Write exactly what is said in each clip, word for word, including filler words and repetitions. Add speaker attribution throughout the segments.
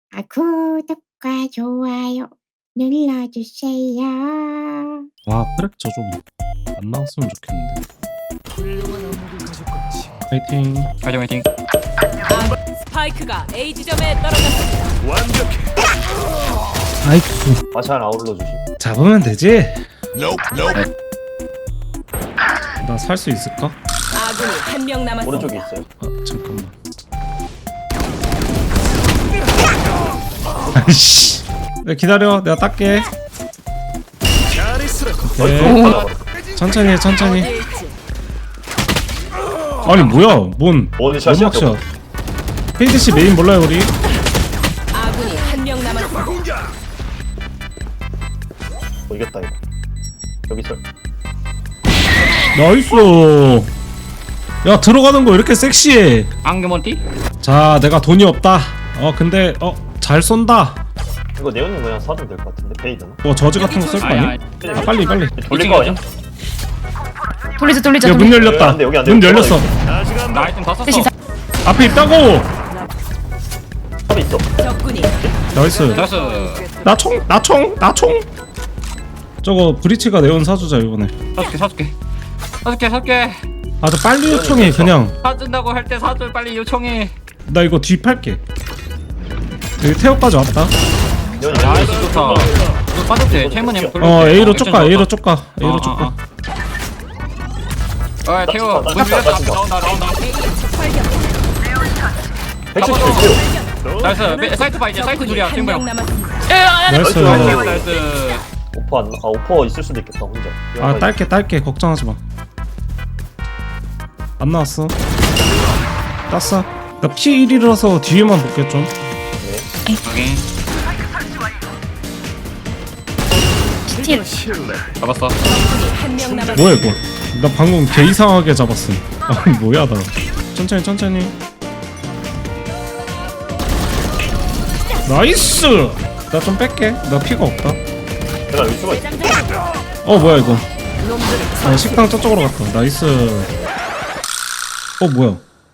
Speaker 1: 아, 구독과 좋아요 눌러주세요.
Speaker 2: 와, 프랙처 좀 안 나왔으면 좋겠는데. 파이팅.
Speaker 3: 화이팅 화이팅.
Speaker 4: 스파이크가 A 지점에 떨어졌습니다.
Speaker 5: 완벽해.
Speaker 2: 아이쿠.
Speaker 5: 마찬 아울러 주심.
Speaker 2: 잡으면 되지. 나 살 수 있을까?
Speaker 4: 아군이 한 명 남았습니다.
Speaker 5: 오른쪽에 있어요.
Speaker 2: 아, 잠깐만. 아이씨. 야, 기다려. 내가 닦게.
Speaker 5: 잘했어.
Speaker 2: 오케이. 천천히 해, 천천히. 아니 뭐야? 뭔
Speaker 5: 원샷이야,
Speaker 2: 연막샷. 헤이드씨 메인 몰라요 우리?
Speaker 4: 아군이 한 명 남았습니다.
Speaker 5: 어, 이겼다 이거. 여기 있어.
Speaker 2: 나이스. 야, 들어가는 거 이렇게 섹시해.
Speaker 3: 앙금원띠?
Speaker 2: 자, 내가 돈이 없다. 어 근데 어 잘 쏜다.
Speaker 5: 이거 네온님 그냥 사도 될 것 같은데 베이드나?
Speaker 2: 뭐 저지 같은 거 쓸 거 아니야? 아 빨리 빨리.
Speaker 5: 돌릴 거 아니야?
Speaker 6: 돌리자 돌리자
Speaker 2: 야, 문
Speaker 6: 돌리자.
Speaker 2: 열렸다.
Speaker 5: 여기 안 돼, 여기 안 돼.
Speaker 2: 문 열렸어.
Speaker 3: 나 아이템 다 썼어.
Speaker 6: 대신 사-
Speaker 2: 앞에 있다고.
Speaker 5: 탑에 있어.
Speaker 4: 적군이
Speaker 2: 나이스.
Speaker 3: 나이스.
Speaker 2: 나 총, 나 총, 나 총. 저거 브리치가 네온 사주자 이번에.
Speaker 3: 사줄게 사줄게. 사줄게 사줄게.
Speaker 2: 아, 저 빨리 요청해 그냥.
Speaker 3: 사준다고 할 때 사줄 빨리 요청해.
Speaker 2: 나 이거 뒤 팔게. 여기 태워까지 왔다.
Speaker 5: 네온이
Speaker 3: 나이스 좋다. 이거 빠졌지? 채무님 돌려.
Speaker 2: 어 A로 쫓가, A로 쫓가, A로
Speaker 3: 어,
Speaker 2: 쫓가.
Speaker 3: 어, 어, 태워.
Speaker 5: 나-
Speaker 3: 문
Speaker 5: 나-
Speaker 3: 열렸다.
Speaker 5: 나- 나-
Speaker 3: 나온다 나온다.
Speaker 5: 백십칠 킬.
Speaker 3: 나이스. 메- 사이트 봐 이제 사이트 둘이야.
Speaker 4: 한
Speaker 3: 지금
Speaker 4: 명
Speaker 3: 뭐야?
Speaker 4: 남았습니다.
Speaker 2: 나이스.
Speaker 3: 나이스 나이스.
Speaker 5: 오퍼 안, 아 오퍼 있을 수도 있겠다 혼자.
Speaker 2: 아, 딸게, 딸게. 걱정하지 마. 안 나왔어. 땄어. 나 피 일이라서 뒤에만 볼게 좀.
Speaker 3: 확인.
Speaker 6: 스틸.
Speaker 3: 잡았어.
Speaker 4: 적군이 한 명 남았습니다.
Speaker 2: 뭐야 이거? 나 방금 개 이상하게 잡았음. 아, 뭐야 나. 천천히 천천히. 나이스. 나 좀 뺄게. 나 피가 없다.
Speaker 5: 내가 여기 수가 있어.
Speaker 2: 어 뭐야 이거? 어, 식당 저쪽으로 갔다. 나이스. 어 뭐야?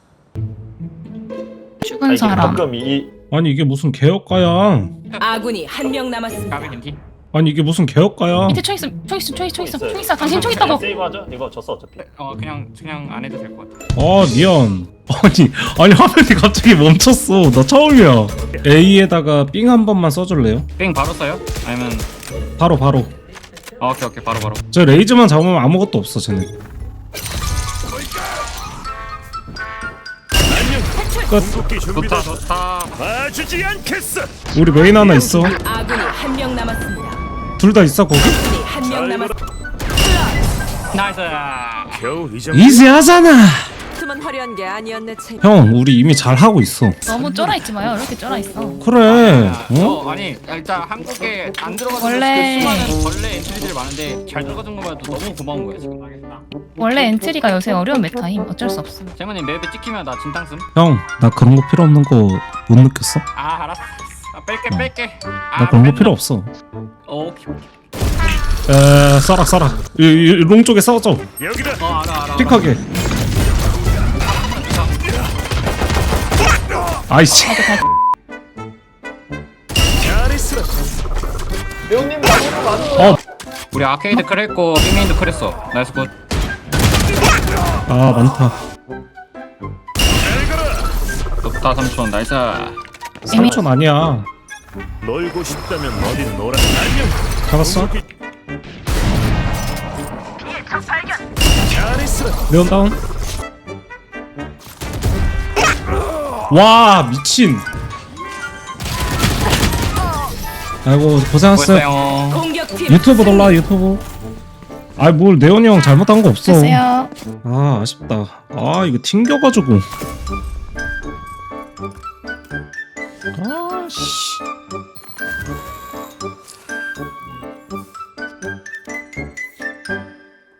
Speaker 5: 아,
Speaker 6: 죽은
Speaker 5: 이게
Speaker 6: 사람.
Speaker 5: 가끔 이
Speaker 2: 아니 이게 무슨 개혁가야?
Speaker 4: 아군이 한 명 남았습니다.
Speaker 3: 까비 겐티.
Speaker 2: 아니 이게 무슨 개혁가야?
Speaker 6: 밑에 총 있음. 총 있음. 총 있음. 총 있음. 총 있어. 당신 총 있다고.
Speaker 5: 세이브하자. 이거 졌어 어차피.
Speaker 3: 어 그냥 그냥 안 해도 될 것 같아.
Speaker 2: 아 미안. 아니 아니 화면이 갑자기 멈췄어. 나 처음이야. A에다가 삥 한 번만 써줄래요?
Speaker 3: 뺑 바로 써요? 아니면
Speaker 2: 바로 바로.
Speaker 3: 어, 오케이 오케이 바로 바로.
Speaker 2: 저 레이즈만 잡으면 아무것도 없어 쟤네. 끝.
Speaker 3: 좋다 좋다.
Speaker 5: 봐주지 않겠어.
Speaker 2: 우리 메인 하나 있어.
Speaker 4: 아군이 한 명 남았습니다.
Speaker 2: 둘 다 있어 거기?
Speaker 4: 적군이 한 명 남았습니다.
Speaker 3: 나이스.
Speaker 5: 겨우 이
Speaker 2: 이지하잖아.
Speaker 4: 만 화려한 게 아니었네. 체.
Speaker 2: 형 우리 이미 잘 하고 있어.
Speaker 6: 너무 쫄아 있지 마요. 이렇게 쫄아 있어.
Speaker 2: 그래. 어?
Speaker 3: 어 아니 일단 한국에 안 들어가서
Speaker 6: 원래-
Speaker 3: 그 수많은 벌레 엔트리들이 많은데 잘 들어가준 것만 해도 너무 고마운 거야 지금.
Speaker 6: 원래 엔트리가 요새 어려운 메타임. 어쩔 수 없어.
Speaker 3: 재문님 맵에 찍히면 나 진탕 쓴.
Speaker 2: 형, 나 그런 거 필요 없는 거 못 느꼈어?
Speaker 3: 아 알았어. 아, 뺄게
Speaker 2: 어.
Speaker 3: 뺄게. 아,
Speaker 2: 나 그런 거
Speaker 3: 뺀다.
Speaker 2: 필요 없어.
Speaker 3: 어, 오케이 오케이.
Speaker 2: 에, 써라 써라. 이, 이, 롱 쪽에 써줘.
Speaker 5: 여기다.
Speaker 3: 어 알아 알아.
Speaker 2: 픽하게. 아이씨.
Speaker 5: 잘했어. 네온님 나보고 많은
Speaker 2: 어,
Speaker 3: 우리 아케이드 크랬고 빅메인도 크랬어. 나이스 굿.
Speaker 2: 아 많다.
Speaker 3: 좋다 삼촌 나이스.
Speaker 2: 삼촌 아니야.
Speaker 5: 놀고 싶다면 어딘 놀아. 안녕.
Speaker 2: 잡았어?
Speaker 5: 잘했어.
Speaker 2: 네온 다운. 와 미친. 아이고 고생했어요.
Speaker 3: 고했어요.
Speaker 4: 공격팀
Speaker 2: 유튜브 놀라 유튜브. 아이 뭘 네온이 형 잘못한 거 없어.
Speaker 6: 됐어요.
Speaker 2: 아 아쉽다. 아 이거 튕겨가지고. 아씨.